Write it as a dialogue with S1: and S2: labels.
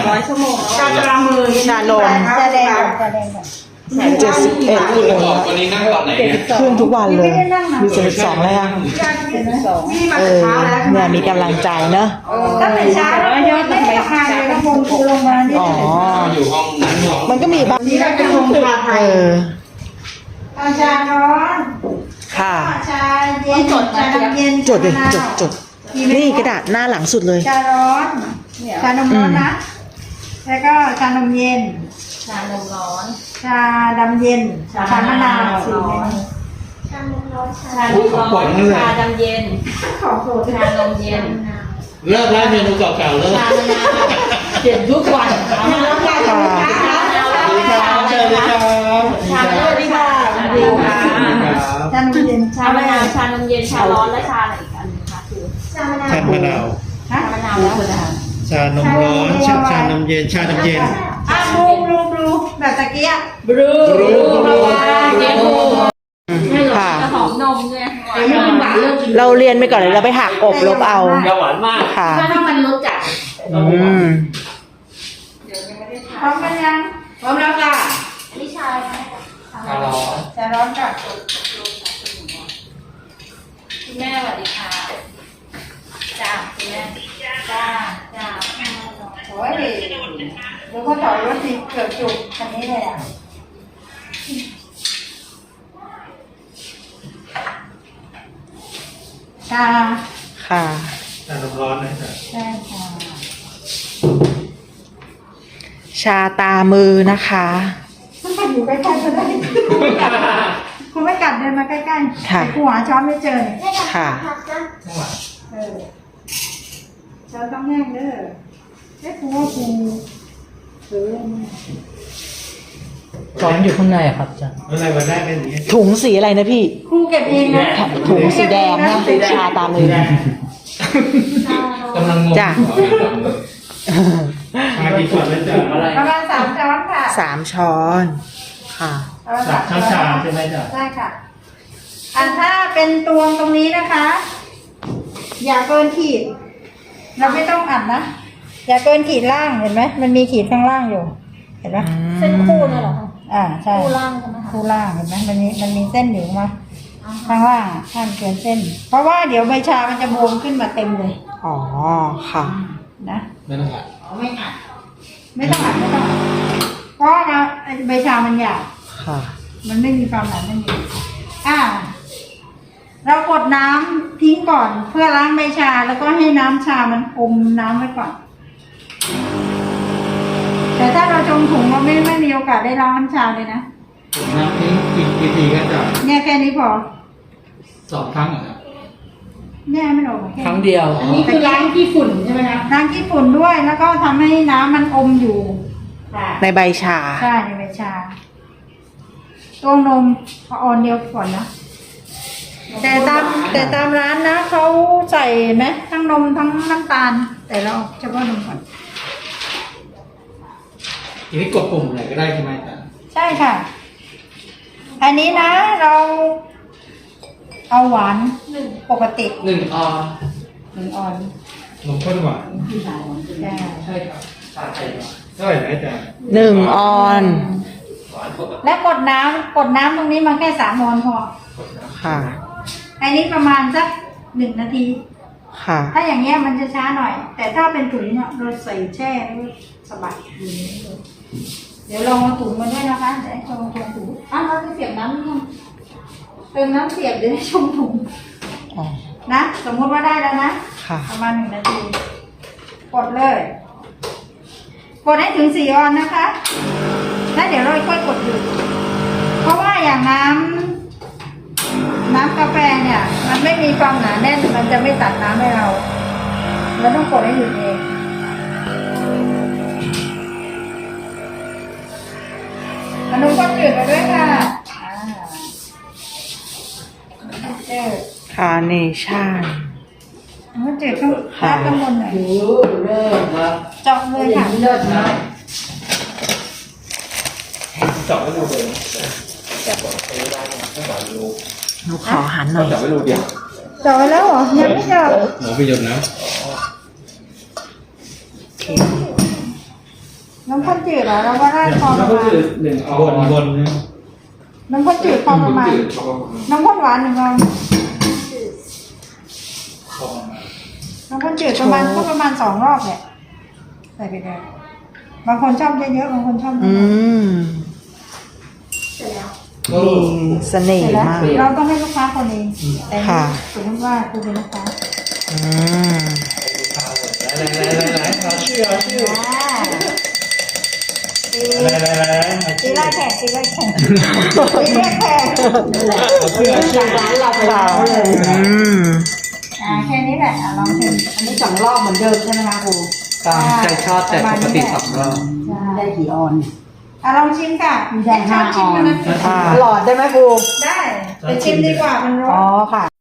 S1: 200 ชั่วโมงแล้ว
S2: ชามือ
S3: ชาลม
S2: ชาแดง
S3: 71กิโล
S4: วันนี้นั่งตอนไหนเนี่ย
S3: ขึ้นทุกวันเลย มี72แล้วยัง
S2: นี่มา
S3: เอ
S2: แต่
S3: อ
S2: เช้าแล้ว
S3: เนี่ยมีกำลังใจเนอะ
S2: ตั้งแต่เช้าแล้วยอดไม่ได้ขาดเลยแล้วคงครูลงมานี่
S3: อ๋อ
S4: อยู่ห้องนั้นห้อง
S3: มันก็มีบ้าง
S2: นี่เราจะลงชาไท
S3: เอย อ
S2: ชาร้อน
S3: ค่ะ
S2: ชาเย็นชาน้ำเย็น
S3: จดดิจดนี่กระดาษหน้าหลังสุดเลย
S2: ชาร้อนชานมร้อนนะ แล้วก็ชานมเย็น
S1: ชานมร้อน
S2: ชาดำเย็น ชามะนาวสีเมนู
S1: ชานมร้อน ชาดำเย็น
S2: ของโปรด
S1: ชานมเย็น
S4: เลิกแล้วเมนูเก่าๆเลิก
S1: ชามะนาวเปลี่ยนทุกวัน
S3: ค่ะ
S4: สวัสดีครับเชิญเลยครับ
S1: ชาสวัสดีค่ะสวัสดีค่ะ
S2: ชานมเย็น
S1: ชามะนาวชานมเย็น ชาร้อน และชาอะไรอีกอันนึงคะคือชามะนาว
S4: ชามะนาว
S2: ฮะ
S1: ชามะนาวแล้วคุณอา
S4: ชานมร้อนชานมเย็นชาน้ำเย็น
S2: อ่ะบลูแบบตะเกียบ
S1: บรูเย็น
S3: ค่ะ
S1: จะหอมนมด้วย
S2: ไม่กินหวานเลิกกิน
S3: เราเรียนไปก่อนเลยเราไปหักกบลบเอา
S4: อย่าหวานมาก
S3: ค่ะ
S1: ถ้ามันรสจัด
S3: อืม
S2: พร้อมกันยังพร้อมแล้วค่ะ
S1: นี่ชา
S4: ชาร้อน
S2: จะร้อนกับ
S1: คุณแม่สวัสดีค่ะจ้าคุณแม่จ้า
S2: โอ้ยเดี๋ยวก็ถอยรถสิเกิดจุกคันนี้เลยอ่ะชา
S3: ค่ะ
S4: ชานมร้อนนะครับ
S2: ใช่ค่ะ
S3: ชาตามือนะคะ
S2: มันไปอยู่ใกล้ๆก็ได้คุณไม่กัดเดินมาใกล้ๆ
S3: ค่ะ
S2: แต่กูหาช้อนไม่เจอเนี่ย
S3: ค่ะ
S2: เออช้อนต้องแห้งเด้อไอ้กูว่ากูซื้อ
S5: ช้อนอยู่ข้างในอะครับอาจารย์
S4: อะไรวันแรกเป็นอย่างนี้
S3: ถุงสีอะไรนะพี่
S2: ครูเก็บเองนะ
S3: ถุงสีแดงนะชาตามือ
S4: กำลังงง
S3: จ้ะ
S4: ชากี่ส่วนแล้วจ้ะ
S2: ประมาณ3 ช้อนค่ะ
S3: 3 ช้อน ค่ะ
S2: ประมาณ
S4: สับ
S2: 3
S4: ชา
S2: ช้อน
S4: ใช่ไหมจ้ะ
S2: ใช่ค่ะถ้าเป็นตวงตรงนี้นะคะ อย่าเกินขีด เราไม่ต้องอัดนะ อย่าเกินขีดล่างเห็นไหมมันมีขีดข้างล่างอยู่ เห็นไหม
S1: เส้นคู่นั่นเหรอคะ
S2: ใช่
S1: คู่ล่างใช่ไหมคะ
S2: คู่ล่างเห็นไหมมันมีเส้นอยู่มาข้างล่างข้างเกินเส้น เพราะว่าเดี๋ยวใบชามันจะบวมขึ้นมาเต็มเลย
S3: อ๋อ ค่ะ
S2: นะ
S4: ไม่ต้องผัด
S2: ไม่อัดไม่ต้องอัดเพราะว่าใบชามันหยาบ
S3: ค่ะ
S2: มันไม่มีความหนาไม่มีเรากดน้ำทิ้งก่อน เพื่อล้างใบชาแล้วก็ให้น้ำชามันอมน้ำไว้ก่อน แต่ถ้าเราจงถุงเราไม่มีโอกาสได้ล้างน้ำชาเลยนะ
S4: น้ำทิ้งกี่ทีก็จะ
S2: เนี่ยแค่นี้พอ
S4: 2 ครั้งเหรอครับ
S2: เนี่ยไม่ออกแค่
S5: ครั้งเดียว
S1: อันนี้คือล้างขี้ฝุ่นใช่ไหมคะ
S2: ล้างขี้ฝุ่นด้วยแล้วก็ทำให้น้ำมันอมอยู่
S3: ในใบชา
S2: ใช่ในใบชาตัวนมเอาออนเดียวก่อนนะแต่ตามร้านนะเขาใส่ไหมทั้งนมทั้งน้ำตาล แต่เราเอาเฉพาะนมก่อน
S4: ทีนี้กดปุ่มไหนก็ได้ใช่ไหมจ้ะ
S2: ใช่ค่ะ อันนี้นะเราเอาหวานปกติ
S5: 1 ออน
S2: 1 ออน
S4: นมข้นหวาน
S2: ใช่
S5: ใช่ครับชาไทย
S4: เท่าไหร่นะจ๊ะ
S3: 1 ออน
S2: และกดน้ำตรงนี้มาแค่3 ออนพอ
S3: ค่ะ
S2: อันนี้ประมาณสัก1 นาที
S3: ค่ะ
S2: ถ้าอย่างเงี้ยมันจะช้าหน่อย แต่ถ้าเป็นถุงเนี่ยเราใส่แช่แล้วสบายอยู่ในนี้เลยเดี๋ยวลองเอาถุงมาด้วยนะคะเดี๋ยวให้ชมถุงเราจะเสียบน้ำนี่ยังเติมน้ำเสียบเดี๋ยวให้ชมถุง
S3: อ๋อ
S2: นะ สมมติว่าได้แล้วนะ
S3: ค่ะ
S2: ประมาณ1 นาที กดเลย กดให้ถึง4 ออนนะคะแล้วเดี๋ยวเราค่อยกดหยุดเพราะว่าอย่างน้ำกาแฟเนี่ย มันไม่มีความหนาแน่นมันจะไม่ตัดน้ำให้เราต้องกดให้หยุดเองอนุก็จืดมาด้วยค่ะจืด
S3: คาร์เนชั่น
S2: มันจืดต้องราดข้างบนหน่อย
S5: เริ่มครับ
S2: เจาะเลยค่ะ
S5: เลิศนะ
S4: เจาะไม่รูเลย
S3: หนูขอหันหน่อย
S4: เจาะไม่รูเดียว
S2: เจาะไว้แล้วเหรอยังไม่เจาะ
S4: หมูไปหยดน้
S2: น้ำข้นจืดเหรอเราก็ได้พอป
S4: แล้ว
S2: ระ
S4: ก็
S2: มาณ
S4: คือหนึ่งบนนะ
S2: น้ำข้นจืดพอประมาณ น้ำข้นหวานหนึ่งเราน้ำข้นจืดประมาณก็ประมาณ2 รอบแหละใส่ไปเลยบางคนชอบเยอะๆบางคนชอบน้
S3: อื
S2: อย
S3: ม
S4: ก็
S3: มีเส
S2: ๆ
S3: น่
S2: เสร็จ
S3: ห์
S2: แล้ว
S3: มาก
S2: เราต้องให้ลูกค้าคนเองแต่
S3: ค่ะ
S2: สมมติว่าคุณเป็นลูกค้า
S3: อืม
S4: ไหนขอชื่อ
S2: ตีตีไล่แขกตีไล่แขกตีเรียกแขก
S5: ร้านเราไปแล้วเลย
S3: อืม
S2: แค่นี้แหละลองชิม
S5: อันนี้2 รอบเหมือนเดิมใช่ไหมคะครู
S4: ตามใจชอบแต่ปกติ2 รอบ
S5: ได้กี่ออน
S2: ลองชิมค่ะ
S5: ได้5
S2: ชิมกันนะ
S3: ค่ะ
S5: หลอดได้ไหมครู
S2: ได้แต่ชิมดีกว่ามันร้อ
S5: อ๋อน ค่ะ